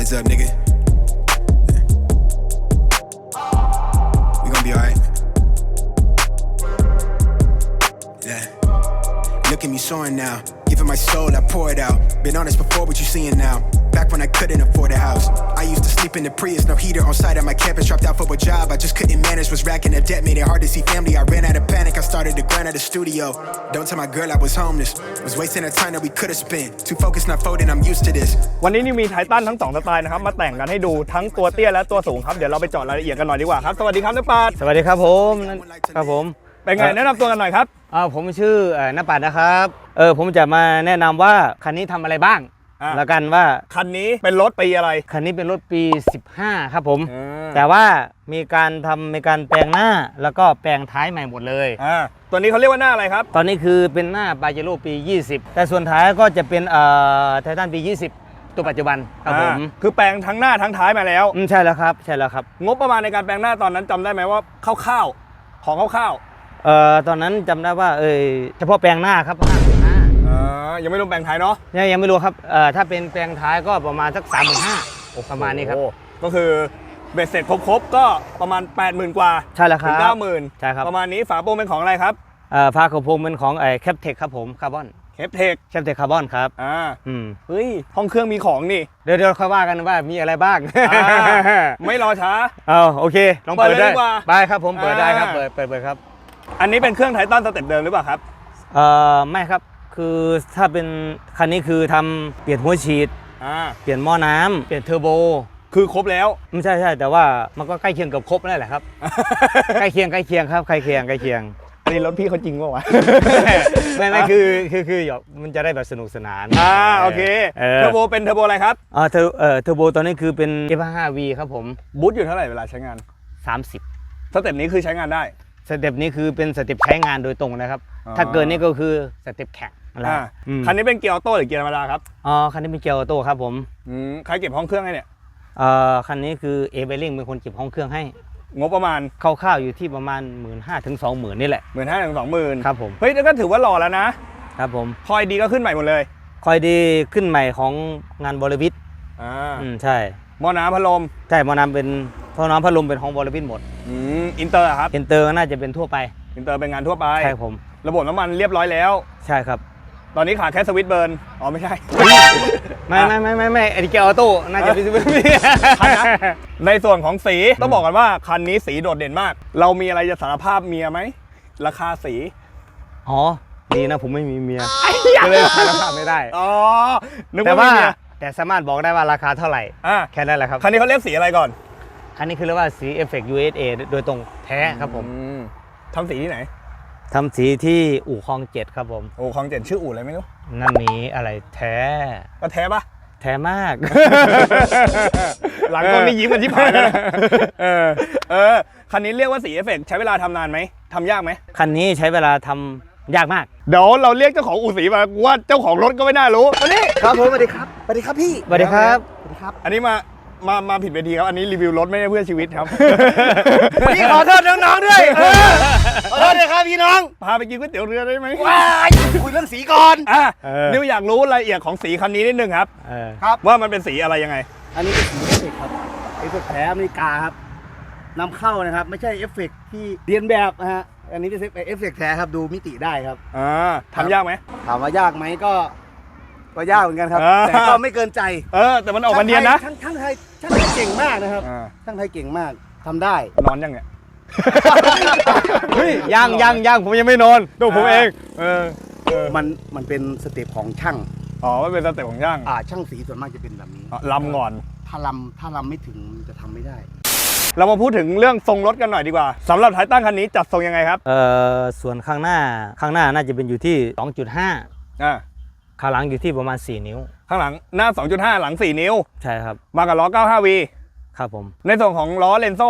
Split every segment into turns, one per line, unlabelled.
hands up, nigga. We gonna be alright. Yeah. Look at me soaring now. Giving my soul, I pour it out. Been honest before, what you seeing now? Back when I couldn't afford a house. I used to sleep in the Prius, no heater on site at my campus. Dropped out for a job, I just couldn't manage. Was racking up debt, made it hard to see family. I ran out of panic, I started to grind at the studio. Don't tell my girl I was homeless. Was wasting the time that we could have spent. Too focused, not folding, I'm used to this.
วันนี้นี่มีไททันทั้ง2สไตล์นะครับมาแต่งกันให้ดูทั้งตัวเตี้ยและตัวสูงครับเดี๋ยวเราไปเจาะรายละเอียดกันหน่อยดีกว่าครับสวัสดีครับนักปราชญ์
สวัสดีครับผมครับผม
เป็นไงแนะนำตัวกันหน่อยครับ
ผมชื่อณปัดนะครับผมจะมาแนะนำว่าคันนี้ทำอะไรบ้างแล้วกันว่า
คันนี้เป็นรถปีอะไร
คันนี้เป็นรถปี15ครับผมแต่ว่ามีการแปลงหน้าแล้วก็แปลงท้ายใหม่หมดเลย
ตัวนี้เขาเรียกว่าหน้าอะไรครับ
ตอนนี้คือเป็นหน้าปาเจโร่ปี20แต่ส่วนท้ายก็จะเป็นไททันปี20ตัวปัจจุบันครับผม
คือแปลงทั้งหน้าทั้งท้ายมาแล้ว
ใช่แล้วครับ
งบประมาณในการแปลงหน้าตอนนั้นจำได้ไหมว่าคร่าวๆของคร่าว
ๆตอนนั้นจำได้ว่าเฉพาะแปลงหน้าครับ
ยังไม่รวมแปลงท้ายเนาะ
ยังไม่รู้ครับถ้าเป็นแปลงท้ายก็ประมาณสัก35,000ประมาณนี้ครับ
ก็คือเบ็ดเสร็จครบก็ประมาณ 80,000 กว่า
ใช่แล้วครับ
ถึง 90,000
ใช่ครับ
ประมาณนี้ฝาโปร่งเป็นของอะไรครับ
ฝากระโปรงเป็นของแคปเทคครับผมคาร์บอน
แคปเทค
คาร์บอนครับ
เฮ้ยห้องเครื่องมีของนี่
เดี๋ยวค่อยว่ากันว่ามีอะไรบ้าง
ไม่รอช้า
โอเคลองเปิดได้ไปครับผมเปิดได้ครับเปิดครับ
อันนี้เป็นเครื่องไททันสเต็ปเดิมหรือเปล่าครับ
ไม่ครับคือถ้าเป็นคันนี้คือทำเปลี่ยนหัวฉีดเปลี่ยนหม้อน้ำเปลี่ยนเทอร์โบ
คือครบแล้ว
ไม่ใช่แต่ว่ามันก็ใกล้เคียงกับครบนั่นแหละครับใกล้เคียงครับใกล้เคียง
อันนี้รถพี่เขาจริงป่าวะ
ไม่คือมันจะได้แบบสนุกสนาน
โอเคเทอร์โบเป็นเทอร์โบอะไรครับ
เทอร์โบตอนนี้คือเป็น F5V ครับผม
บูทอยู่เท่าไหร่เวลาใช้งาน
30
สเต็ปนี้คือใช้งานได้
สเต็ปนี้คือเป็นสเต็ปใช้งานโดยตรงนะครับถ้าเกินนี่ก็คือสเต็ปแข่ง
คันนี้เป็นเกียร์ออโต้หรือเกียร์ธรรมดาครับ
คันนี้เป็นเกียร์ออโต้ครับผม
ใครเก็บห้องเครื่องให้เนี่ย
คันนี้คือเบลลิงเป็นคนเก็บห้องเครื่องให้
งบประมาณ
คร่าวๆอยู่ที่ประมาณ 15,000 ถึง 20,000นี่แหละ
15,000 ถึง 20,000
ครับผม
เฮ้ยแล้วก็ถือว่าหล่อแล้วนะครับ
ผม
คอยดีก็ขึ้นใหม่หมดเลย
คอยดีขึ้นใหม่ของงานบริวิทใช่
หม้อน้ำพัดลม
ใช่หม้อน้ำเป็นท่อน้ำพัดลมเป็นของบริวิทหมด
อินเตอร์ครับ
อินเตอร์น่าจะเป็นทั่วไป
อินเตอร์เป็นงานทั่วไป
ใช่ผม
ระบบน้ำมันเรียบร้อยแล้ว
ใช่ครับ
ตอนนี้ขาดแค่สวิตช์เบิร์นไม่ใช่
ไม่ไอ้เกียร์ออโต้น่าจะเป็นสวิตช์
ในส่วนของสีต้องบอกกันว่าคันนี้สีโดดเด่นมากเรามีอะไรจะสารภาพเมียไหมราคาสี
ดีนะผมไม่มีเมียก็เลยสารภาพไม่ได้แต่สามารถบอกได้ว่าราคาเท่าไหร่แค่นั้นแหละครับ
คันนี้เขาเรียกสีอะไรก่อน
คันนี้คือเรียกว่าสี Effect USA โดยตรงแท้ครับผม
ทำสีที่ไหน
ทำสีที่อู่คลอง7ครับผม
อู่คลอง7ชื่ออู่อะไรไม่รู้
นั่นนี้อะไรแท้
ก็แท้ปะ
แท้มาก
หลังก็ไม่ยิ้มกันที่ผ่านนะคันนี้เรียกว่าสี Effect ใช้เวลาทำนานไหมทำยากไหม
คันนี้ใช้เวลาทำยากมาก
เดี๋ยวเราเรียกเจ้าของอู่สีมาว่าเจ้าของรถก็ไม่น่ารู้อันนี้
ครับผมสวัสดีครับพี่สวัสดีครับ
อันนี้มาผิดเวทีครับอันนี้รีวิวรถไม่ได้เพื่อชีวิตครับ
พี่ขอโทษน้องๆด้วยขอโทษเลยครับพี่น้อง
พาไปกินก๋วยเตี๋ยวเรือได้ไหม
ว้ายคุยเรื่องสีก่อน
นิวอยากรู้รายละเอียดของสีคันนี้นิดนึงครับว่ามันเป็นสีอะไรยังไง
อันนี้เป็นสีเอฟเฟกต์ครับเอฟเฟกต์แท้อเมริกาครับนำเข้านะครับไม่ใช่เอฟเฟกต์ที่เรียนแบบนะฮะอันนี้เป็นเอฟเฟกต์แท้ครับดูมิติได้ครับ
ทำยากไหม
ถามว่ายากไหมก็ยากเหมือนกันครับแต่ก็ไม่เกินใจ
แต่มันออกมาเนียนนะ
ช่างไทยเก่งมากนะครับช่างไทยเก่งมากทำได้
นอนยังเนี่ย
เฮ้ยยังผมยังไม่นอนดูผมเอง
มันเป็นสเต็ปของช่าง
มันเป็นสเต็ปของช่าง
ช่างสีส่วนมากจะเป็นแบบนี้
ลำก่อน
ถ้าลำไม่ถึงจะทำไม่ได้
เรามาพูดถึงเรื่องทรงรถกันหน่อยดีกว่าสำหรับไททันคันนี้จัดทรงยังไงครับ
ส่วนข้างหน้าน่าจะเป็นอยู่ที่ 2.5ข้างหลังอยู่ที่ประมาณ4นิ้ว
ข้างหลังหน้า 2.5 หลัง4นิ้ว
ใช่ครับ
มากับล้อ 95V
ครับผม
ในส่วนของล้อเลนโซ่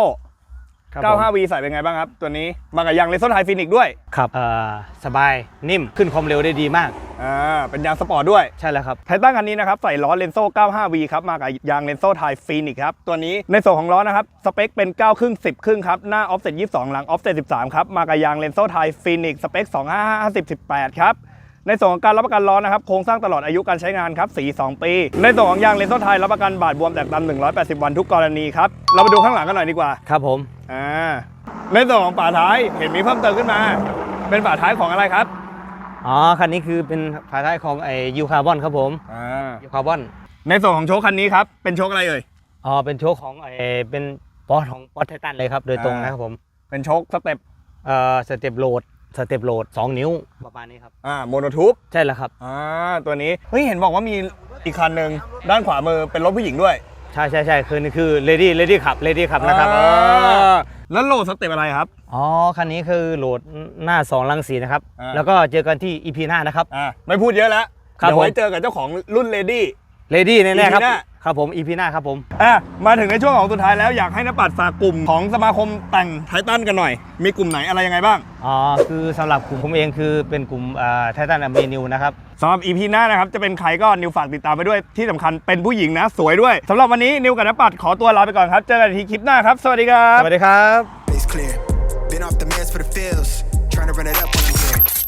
95V ใส่เป็นไงบ้างครับตัวนี้มากับยางเลนโซ่ไทฟินิกด้วย
ครับสบายนิ่มขึ้นความเร็วได้ดีมาก
เป็นยางสปอร์ตด้วย
ใช่แล้วครับ
ไททันคันนี้นะครับใส่ล้อเลนโซ่ 95V ครับมากับยางเลนโซ่ไทฟินิกครับตัวนี้ในส่วนของล้อนะครับสเปคเป็น9ครึ่ง10ครึ่งครับหน้าออฟเซ็ต22หลังออฟเซ็ต13ครับมากับยางเลนโซ่ไทฟินิกสเปค255/50/18ครับในส่วนของการรับประกันล้อนะครับโครงสร้างตลอดอายุการใช้งานครับสี2 ปีในส่วนของยางเลนโซ่ไทยรับประกันบาดบวมแตกดำ180 วันทุกกรณีครับเรามาดูข้างหลังกันหน่อยดีกว่า
ครับผม
ในส่วนของฝาท้ายเห็นมีเพิ่มเติมขึ้นมา เป็นฝาท้ายของอะไรครับ
อ๋อคันนี้คือเป็นฝาท้ายของยูคาร์บอนครับผมยูคาร์บอน
ในส่วนของโชคคันนี้ครับเป็นโชคอะไรเอ่ย
อ๋อเป็นโชคของเป็นปอของปอไททันเลยครับโดยตรงนะครับผม
เป็นโชคสเต็ป
สเต็ปโหลด2 นิ้วประมาณนี้ครับ
โมโนทูบ
ใช่แล้วครับ
ตัวนี้เฮ้ยเห็นบอกว่ามีอีกคันหนึ่งด้านขวามือเป็นรถผู้หญิงด้วย
ใช่คือเลดี้ขับนะครับ
แล้วโหลดสเต็ปอะไรครับ
อ๋อคันนี้คือโหลดหน้า2รังสีนะครับแล้วก็เจอกันที่ EP หน้านะครับ
ไม่พูดเยอะแล้ว
ครับ
เดี๋ยวไว้
ผม
เจอกับเจ้าของรุ่นเลดี้
เลดี้แน่ๆครับ
EP หน้า
ครับผม EP หน้าครับผม
มาถึงในช่วงของสุดท้ายแล้วอยากให้นปัดฝากกลุ่มของสมาคมแต่งไททันกันหน่อย มีกลุ่มไหนอะไรยังไงบ้าง
อ๋อคือสำหรับกลุ่มผมเองคือเป็นกลุ่มไททันอเมนิวนะครับ
สำหรับ EP หน้านะครับจะเป็นใครก็นิวฝากติดตามไปด้วยที่สำคัญเป็นผู้หญิงนะสวยด้วยสำหรับวันนี้นิวกับนปัดขอตัวลาไปก่อนครับเจอกันที่คลิปหน้าครับสวัสดีครับ
สวัสดีครับ
Face clear. Been off the meds for the feels. Trying to run it up when I'm here.